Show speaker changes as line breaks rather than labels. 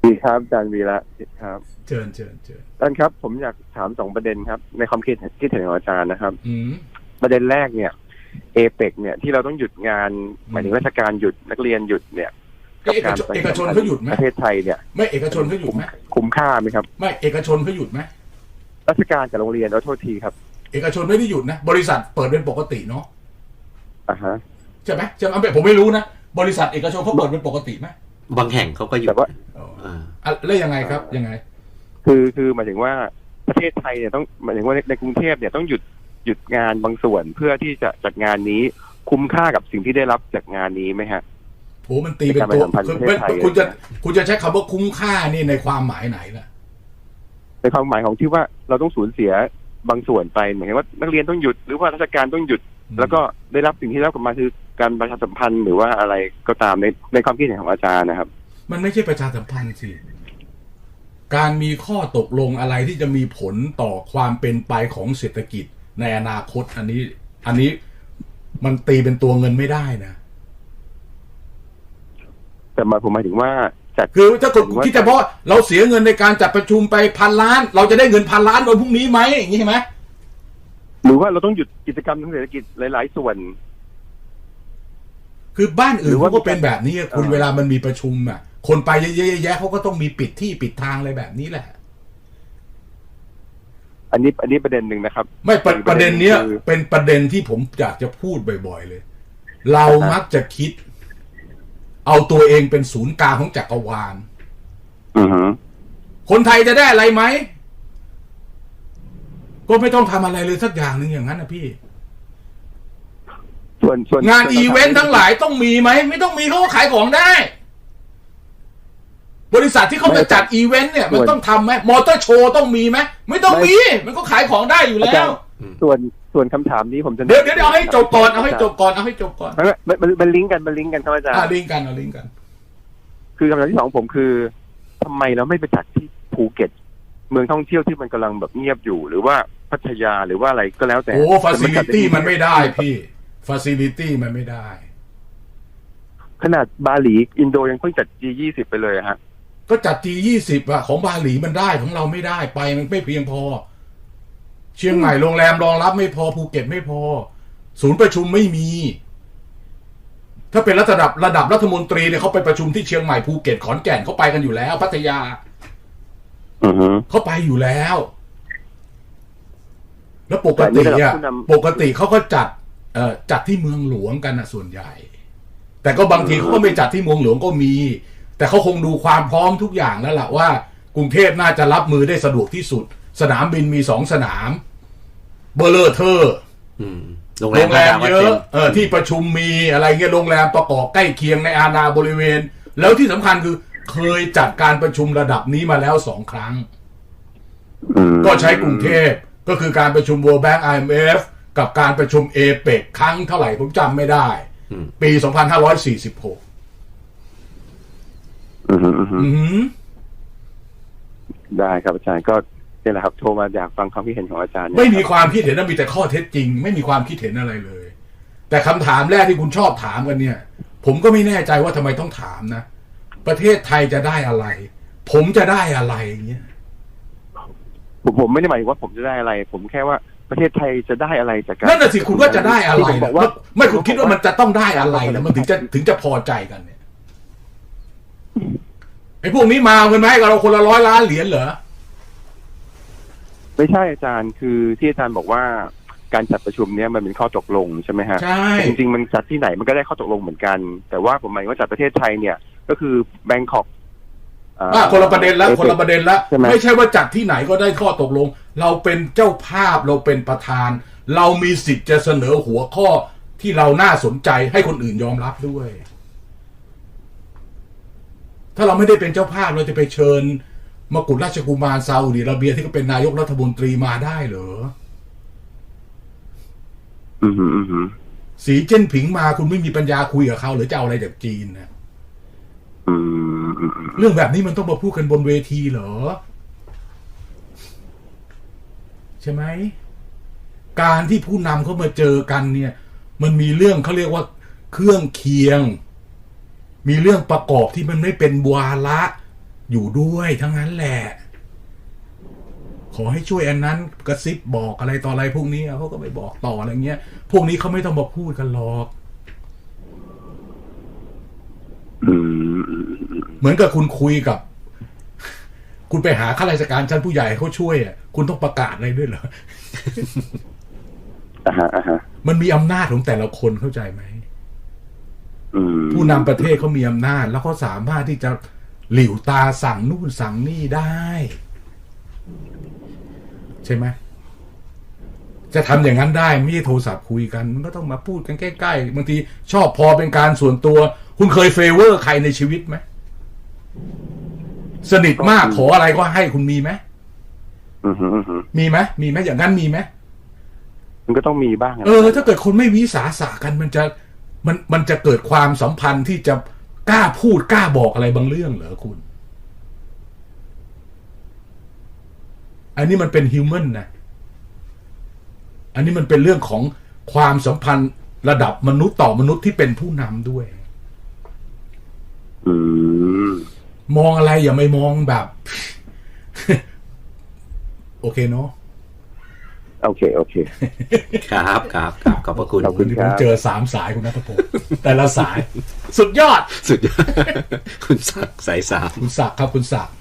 ดีครับอาจารย์วีระครับ
เชิญ
อาจารย์ครับผมอยากถาม2 ประเด็นครับในความคิดเห็นของอาจารย์นะครับ
อืม
ประเด็นแรกเนี่ยเอเปกเนี่ยที่เราต้องหยุดงานหมายถึงราชการหยุดนักเรียนหยุดเนี่ยกับการ
เอกชนเขาหยุดไหม
ประเทศไทยเนี่ย
ไม่เอกชนเขาหยุดไหม
คุ้มค่าไหมครับ
ไม่เอกชนเขาหยุดไหม
ราชการกับโรงเรียนโทษทีครับ
เอกชนไม่ได้หยุดนะบริษัทเปิดเป็นปกติเนาะ
ฮะ
ใช่ไหมผมไม่รู้นะบริษัทเอกชนเขาเปิดเป็นปกติไหม
บางแห่งเขาก็หยุด
แต่ว่า
แล้วยังไงครับยังไง
คือหมายถึงว่าประเทศไทยเนี่ยต้องหมายถึงว่าในกรุงเทพเนี่ยต้องหยุดงานบางส่วนเพื่อที่จะจัดงานนี้คุ้มค่ากับสิ่งที่ได้รับจากงานนี้ไหมฮะ
โหมันตีเป็นตัวคุณจะใช้คำว่าคุ้มค่านี่ในความหมายไหนล่ะ
ในความหมายของที่ว่าเราต้องสูญเสียบางส่วนไปเหมือนว่านักเรียนต้องหยุดหรือว่าราชการต้องหยุดแล้วก็ได้รับสิ่งที่ได้รับกลับมาคือการประชาสัมพันธ์หรือว่าอะไรก็ตามในความคิดเห็นของอาจารย์นะครับ
มันไม่ใช่ประชาสัมพันธ์สิการมีข้อตกลงอะไรที่จะมีผลต่อความเป็นไปของเศรษฐกิจในอนาคตอันนี้มันตีเป็นตัวเงินไม่ได้นะ
แต่ผมหมายถึงว่า
คือถ้าคุณคิดเฉพาะเราเสียเงินในการจัดประชุมไป1,000 ล้านเราจะได้เงิน1,000 ล้านวันพรุ่งนี้ไหมอย่างนี้ใช่ไหม
หรือว่าเราต้องหยุดกิจกรรมทางเศรษฐกิจหลายๆส่วน
คือบ้านอื่นเขาก็เป็นแบบนี้คุณเวลามันมีประชุมอ่ะคนไปเยอะๆเขาก็ต้องมีปิดที่ปิดทางอะไรแบบนี้แหละ
อันนี้ประเด็นหนึ่งนะครับ
ไม่ประเด็นเนี้ยเป็นประเด็นที่ผมอยากจะพูดบ่อยๆเลยเรามักจะคิดเอาตัวเองเป็นศูนย์กลางของจักรวาลคนไทยจะได้อะไรไหมก็ไม่ต้องทำอะไรเลยสักอย่างหนึ่งอย่างนั้นนะพี่
ส่วน
งานอีเวนต์ทั้งหลายต้องมีไหมไม่ต้องมีเขาก็ขายของได้บริษัทที่เขาจะจัดอีเวนต์เนี่ยมันต้องทำไหมมอเตอร์โชว์ต้องมีไหมไม่ต้องมีมันก็ขายของได้อยู่แล้ว
ส่วนคำถามนี้ผมจะ
เดี๋ยวเอาให้จบก่อนเอาให้จบก่อน
มันลิงก์กันครับอาจารย์
ลิงก์กัน
คือคำถามที่2ผมคือทำไมเราไม่ไปจัดที่ภูเก็ตเมืองท่องเที่ยวที่มันกำลังแบบเงียบอยู่หรือว่าพัทยาหรือว่าอะไรก็แล้วแต่
โอ้ฟาซิลิตี้มันไม่ได้พี่ฟาซิลิตี้มันไม่ได้
ขนาดบาหลีอินโดยังเพิ่งจัด G20 ไปเลยฮะ
ก็จัด G20 อะของบาหลีมันได้ของเราไม่ได้ไปมันไม่เพียงพอเชียงใหม่โรงแรมรองรับไม่พอภูเก็ตไม่พอศูนย์ประชุมไม่มีถ้าเป็นระดับรัฐมนตรีเนี่ยเขาไปประชุมที่เชียงใหม่ภูเก็ตขอนแก่นเขาไปกันอยู่แล้วพัทยาเขาไปอยู่แล้วแล้วปกติเขาก็จัดที่เมืองหลวงกันนะส่วนใหญ่แต่ก็บางทีเขาก็ไม่จัดที่เมืองหลวงก็มีแต่เขาคงดูความพร้อมทุกอย่างแล้วล่ะว่ากรุงเทพน่าจะรับมือได้สะดวกที่สุดสนามบินมี2 สนามเบอร์เลอร์เทอร์โรงแรมเยอะที่ประชุมมีอะไรเงี้ยโรงแรมประกอบใกล้เคียงในอาณาบริเวณแล้วที่สำคัญคือเคยจัดการประชุมระดับนี้มาแล้ว2 ครั้งก็ใช้กรุงเทพก็คือการประชุม World Bank IMF กับการประชุม APEC ครั้งเท่าไหร่ผมจำไม่ได้ปี 2546
ได้ครับอาจารย์ก็นี่แหละครับโทรมาอยากฟังความคิดเห็นของอาจารย์
ไม่มีความคิดเห็นนะมีแต่ข้อเท็จจริงไม่มีความคิดเห็นอะไรเลยแต่คำถามแรกที่คุณชอบถามกันเนี่ยผมก็ไม่แน่ใจว่าทำไมต้องถามนะประเทศไทยจะได้อะไรผมจะได้อะไรอย่างเงี้ย
ผมไม่ได้หมายว่าผมจะได้อะไรผมแค่ว่าประเทศไทยจะได้อะไรจากการ
นั่นน่ะสิคุณว่าจะได้อะไรนะไม่คุณคิดว่ามันจะต้องได้อะไรนะมันถึงจะพอใจกันเนี่ยไอ้พวกนี้มาเงินมาให้เราคนละ100 ล้านเหรียญเหรอ
ไม่ใช่อาจารย์คือที่อาจารย์บอกว่าการจัดประชุมเนี้ยมันเป็นข้อตกลงใช่ไหมฮะ
ใช่
จริงๆมันจัดที่ไหนมันก็ได้ข้อตกลงเหมือนกันแต่ว่าผมหมายว่าจัดประเทศไทยเนี่ยก็คือแบงคอก
คนละประเด็นแล้วไม่ใช่ว่าจัดที่ไหนก็ได้ข้อตกลงเราเป็นเจ้าภาพเราเป็นประธานเรามีสิทธิ์จะเสนอหัวข้อที่เราน่าสนใจให้คนอื่นยอมรับด้วยถ้าเราไม่ได้เป็นเจ้าภาพเราจะไปเชิญมกุฎราชกุมารซาอุดิอาระเบียที่ก็เป็นนายกรัฐมนตรีมาได้เหรอสีเจิ้นผิงมาคุณไม่มีปัญญาคุยกับเขาหรือจะเอาอะไรจากจีนนะเรื่องแบบนี้มันต้องมาพูดกันบนเวทีเหรอใช่ไหมการที่ผู้นำเขามาเจอกันเนี่ยมันมีเรื่องเขาเรียกว่าเครื่องเคียงมีเรื่องประกอบที่มันไม่เป็นวาระอยู่ด้วยทั้งนั้นแหละ ขอให้ช่วยอันนั้นกระซิบบอกอะไรต่ออะไรพวกนี้เขาก็ไปบอกต่ออะไรเงี้ยพวกนี้เขาไม่ต้องมาพูดกันหรอกเหมือนกับคุณคุยกับคุณไปหาข้าราชการชั้นผู้ใหญ่เขาช่วยอ่ะคุณต้องประกาศอะไรด้วยเหรอมันมีอำนาจของแต่ละคนเข้าใจไหมผู้นำประเทศเขามีอำนาจแล้วเขาสามารถที่จะหลิ่วตาสั่งนู่นสั่งนี่ได้ใช่ไหมจะทำอย่างนั้นได้ไม่ใช่โทรศัพท์คุยกันมันก็ต้องมาพูดกันใกล้ๆบางทีชอบพอเป็นการส่วนตัวคุณเคยเฟเวอร์ใครในชีวิตไหมสนิทมากขออะไรก็ให้คุณมีไหมมีไหมอย่างนั้นมีไหม
มันก็ต้องมีบ้าง
ถ้าเกิดคนไม่วิสาสะกันมันจะเกิดความสัมพันธ์ที่จะกล้าพูดกล้าบอกอะไรบางเรื่องเหรอคุณอันนี้มันเป็นฮิวแมนนะอันนี้มันเป็นเรื่องของความสัมพันธ์ระดับมนุษย์ต่อมนุษย์ที่เป็นผู้นำด้วยมองอะไรอย่าไม่มองแบบ โอเคเนาะ
โอเค
ครับขอบพระคุณ
ผมเจอ3 สายคุณณัฐพงศ์แต่ละสายสุดยอด
คุณศักดิ์สาย3
คุณศักดิ์ครับคุณศักดิ์